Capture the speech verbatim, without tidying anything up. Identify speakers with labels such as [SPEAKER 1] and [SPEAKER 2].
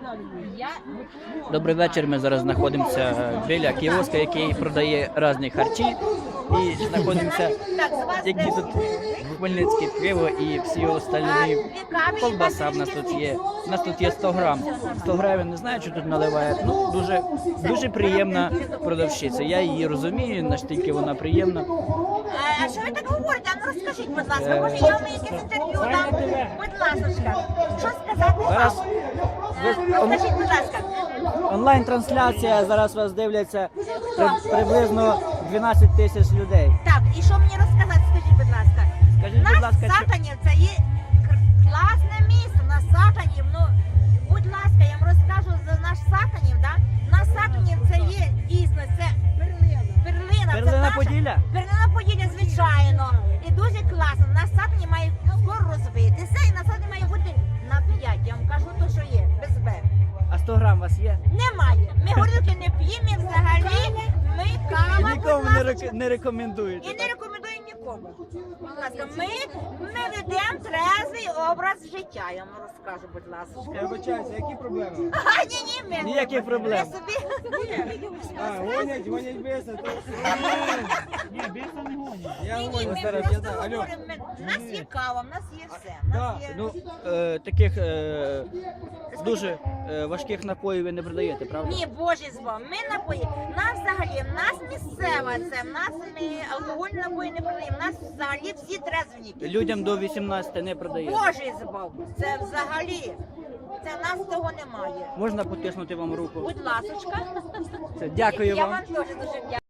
[SPEAKER 1] Добрий вечір. Ми зараз знаходимося біля кіоска, який продає різні харчі. І знаходимося, які тут хмельницьке пиво і всі остальні. Колбаса в нас тут є. У нас тут є сто грам. сто гривень, не знаю, що тут наливають. Ну, дуже, дуже приємна продавщиця. Я її розумію, наскільки вона приємна.
[SPEAKER 2] А що ви так говорите? А ну розкажіть, будь ласка, може я вам якесь інтерв'ю дам? Будь ласка, що сказати вам? Розкажіть, будь ласка.
[SPEAKER 1] Онлайн-трансляція, зараз вас дивляться при, приблизно дванадцять тисяч людей.
[SPEAKER 2] Так, і що мені розказати, скажіть, будь ласка.
[SPEAKER 1] Скажіть,
[SPEAKER 2] Наш
[SPEAKER 1] будь ласка, що...
[SPEAKER 2] Сатанів, це є класне місто, на Сатанів, ну, будь ласка, я вам розкажу за наш Сатанів, да? На Сатанів це є дійсно, це перлина. Перлина, це
[SPEAKER 1] Перлина
[SPEAKER 2] наша,
[SPEAKER 1] Поділля?
[SPEAKER 2] Перлина Поділля, звичайно, і дуже класно. На Сатані має скоро розвитися, і на Сатані має бути на п'ять, я вам кажу то, що є, без Б.
[SPEAKER 1] А сто грам у вас є?
[SPEAKER 2] Немає. Ми горілки не п'ємо, і взагалі ми кава,
[SPEAKER 1] І нікому
[SPEAKER 2] будь
[SPEAKER 1] не,
[SPEAKER 2] ласка,
[SPEAKER 1] рек... не рекомендуєте.
[SPEAKER 2] і не рекомендую нікому. Будь ласка, ми, ми ведемо трезвий образ життя, я вам розкажу, будь ласка.
[SPEAKER 3] Я вибачаюся, які проблеми?
[SPEAKER 2] А, ні, ні, ми.
[SPEAKER 1] Ніяких проблем.
[SPEAKER 2] Ми собі...
[SPEAKER 3] А, гонять, гонять биса. Ні, биса не гонять. Я
[SPEAKER 2] Ні, ні,
[SPEAKER 3] гоню
[SPEAKER 2] ми
[SPEAKER 3] зараз, я
[SPEAKER 2] просто
[SPEAKER 3] знаю. Алло.
[SPEAKER 2] говоримо, ми- в нас є кава, в нас є все. В
[SPEAKER 3] Да,
[SPEAKER 2] нас є...
[SPEAKER 1] Ну, е, таких е, дуже е, важких напоїв ви не продаєте, правда?
[SPEAKER 2] Ні, Боже з вами, ми напої, нас взагалі, в нас місцева це, в нас ми алкогольні напої не продаємо, в нас взагалі всі трезвенники.
[SPEAKER 1] Людям до вісімнадцяти не продаєте.
[SPEAKER 2] Боже збав, це взагалі, це в нас того немає.
[SPEAKER 1] Можна потиснути вам руку?
[SPEAKER 2] Будь ласочка.
[SPEAKER 1] Все, дякую
[SPEAKER 2] Я
[SPEAKER 1] вам.
[SPEAKER 2] вам теж дуже дякую.